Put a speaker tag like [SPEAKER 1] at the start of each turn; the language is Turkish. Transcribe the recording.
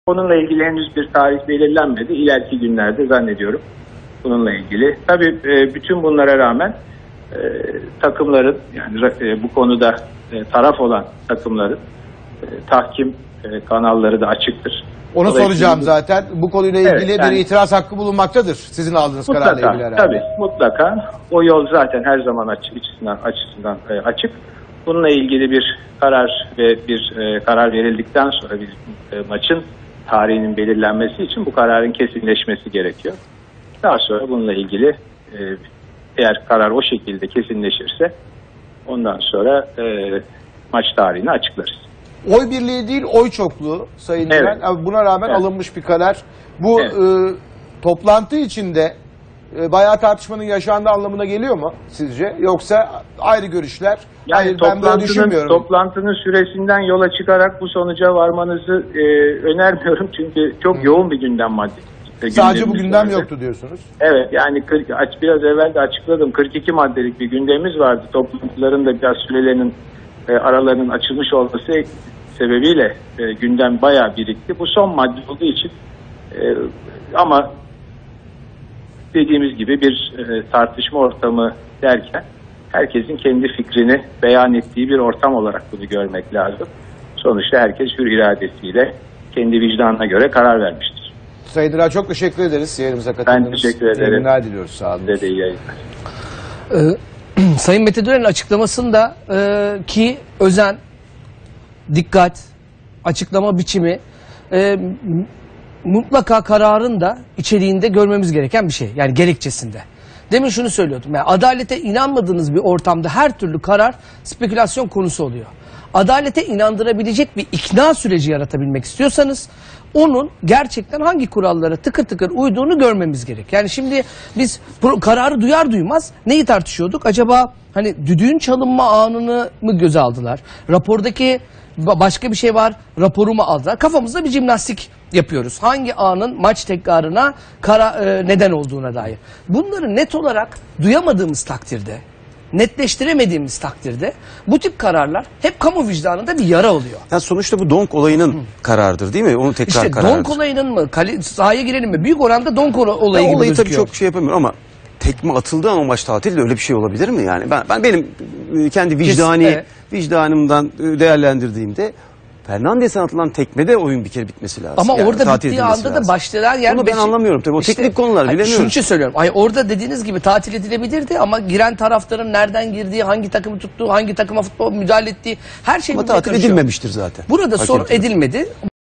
[SPEAKER 1] Onunla ilgili henüz bir tarih belirlenmedi. İleriki günlerde zannediyorum bununla ilgili. Tabii bütün bunlara rağmen takımların, yani bu konuda taraf olan takımların tahkim kanalları da açıktır.
[SPEAKER 2] Onu soracağım zaten. Bu konuyla ilgili bir itiraz hakkı bulunmaktadır. Sizin aldığınız kararla ilgili herhalde.
[SPEAKER 1] Tabii, mutlaka. O yol zaten her zaman açısından açık. Bununla ilgili bir karar ve bir karar verildikten sonra bir maçın tarihinin belirlenmesi için bu kararın kesinleşmesi gerekiyor. Daha sonra bununla ilgili eğer karar o şekilde kesinleşirse ondan sonra maç tarihini açıklarız.
[SPEAKER 2] Oy birliği değil, oy çokluğu Sayın Güven. Buna rağmen alınmış bir karar. Bu toplantı içinde bayağı tartışmanın yaşandığı anlamına geliyor mu sizce? Yoksa ayrı görüşler?
[SPEAKER 1] Yani
[SPEAKER 2] hayır, ben böyle düşünmüyorum.
[SPEAKER 1] Toplantının süresinden yola çıkarak bu sonuca varmanızı önermiyorum. Çünkü çok yoğun bir gündem maddesi.
[SPEAKER 2] Sadece bu gündem yoktu diyorsunuz.
[SPEAKER 1] Evet, yani biraz evvel de açıkladım. 42 maddelik bir gündemimiz vardı. Toplantıların da biraz sürelerinin aralarının açılmış olması sebebiyle gündem bayağı birikti. Bu son madde olduğu için ama dediğimiz gibi bir tartışma ortamı derken herkesin kendi fikrini beyan ettiği bir ortam olarak bunu görmek lazım. Sonuçta herkes hür iradesiyle kendi vicdanına göre karar vermiştir.
[SPEAKER 2] Sayın Dıra, çok teşekkür ederiz yayınımıza katıldığınız.
[SPEAKER 1] Ben teşekkür ederim.
[SPEAKER 2] İyi günler diliyoruz. Sağ olun.
[SPEAKER 1] Size de iyi yayınlar.
[SPEAKER 3] Sayın Mete Dönen'in açıklamasında ki özen, dikkat, açıklama biçimi mutlaka kararın da içeriğinde görmemiz gereken bir şey. Yani gerekçesinde. Demin şunu söylüyordum. Yani adalete inanmadığınız bir ortamda her türlü karar spekülasyon konusu oluyor. Adalete inandırabilecek bir ikna süreci yaratabilmek istiyorsanız onun gerçekten hangi kurallara tıkır tıkır uyduğunu görmemiz gerek. Yani şimdi biz kararı duyar duymaz neyi tartışıyorduk? Acaba hani düdüğün çalınma anını mı göze aldılar? Rapordaki başka bir şey var, raporu mu aldılar? Kafamızda bir jimnastik yapıyoruz. Hangi anın maç tekrarına neden olduğuna dair. Bunları net olarak duyamadığımız takdirde, netleştiremediğimiz takdirde bu tip kararlar hep kamu vicdanında bir yara oluyor.
[SPEAKER 4] Ya sonuçta bu donk olayının kararıdır değil mi? Onun tekrar kararıdır.
[SPEAKER 3] Donk olayının mı? Sahaya girelim mi? Büyük oranda donk olayı gibi
[SPEAKER 4] olayı
[SPEAKER 3] gözüküyor.
[SPEAKER 4] tabii çok şey yapamıyorum ama tekme atıldığı an o maç tatil de öyle bir şey olabilir mi yani? Benim kendi vicdanımdan değerlendirdiğimde Fernandes'e atılan tekmede oyun bir kere bitmesi lazım.
[SPEAKER 3] Ama
[SPEAKER 4] yani
[SPEAKER 3] orada bittiği anda da başlayan yer...
[SPEAKER 4] Onu ben anlamıyorum tabii. O teknik konular bilemiyorum.
[SPEAKER 3] Şunun için söylüyorum. Orada dediğiniz gibi tatil edilebilirdi ama giren taraftarın nereden girdiği, hangi takımı tuttuğu, hangi takıma futbol müdahale ettiği her şey...
[SPEAKER 4] Ama tatil edilmemiştir zaten.
[SPEAKER 3] Burada sorun edilmedi.